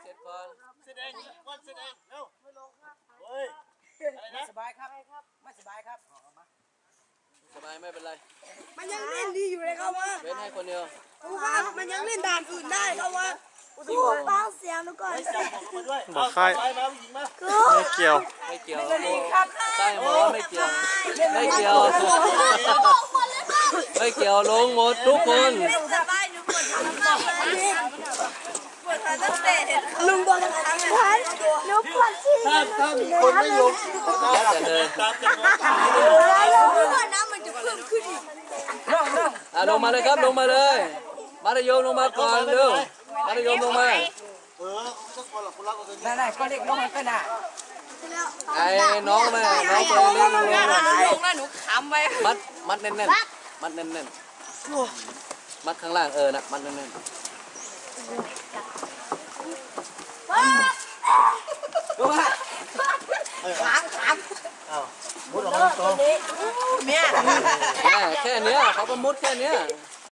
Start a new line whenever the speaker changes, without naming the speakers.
เสร็จก่อน
เสร็จเองวันเสร็จเองเร็วเฮ้ยอะไรนะ
สบายครับไม่สบายครับ
สบายไม่เป็นไร
มันยังเล่นดีอยู่เลยครับว่า
เว้นให้คนเดียว
ครูครับมันยังเล่นด่านอื่นได้ครับว่าครูเบาเสียงหนูก่อน
ไม่จับบอกมาด้วย
บอกใคร
ไปมาผู้หญิงมา
ไม่เกี่ยว
ไม่เกี่ยวใต้หมอไม่เกี่ยวไม่เกี่ยวไม่เกี่ยวลงหมดทุกคน
สบายหนูปวดขาตั้งแต่ลุงโดนทำพันหนูปวดฉี่
ถ้ามีคนไม่ลง
แล้วแต่เลย
ตามจำนวน
แล้วเมื่อน้ำมันจะเพิ่มขึ้นอีก
ลงมาเลยครับลงมาเลยมัธยมลงมาก่อนเร็วมัธยมลงมา
สักคนหรอกคนรักคน
นั่นก็เล็กน้องมันก็น่ะ
ไอ้น้องแม่น้องตัวเล็กลงมา
ลงแล้วหนูขำไป
มัดแน่นๆมัดแน่นๆมัดข้างล่างนะมัดแน่นๆ
ลงมา
มุดออกมาตรง
แม่
แค่เนี้ยเขาก็มุดแค่เนี้ย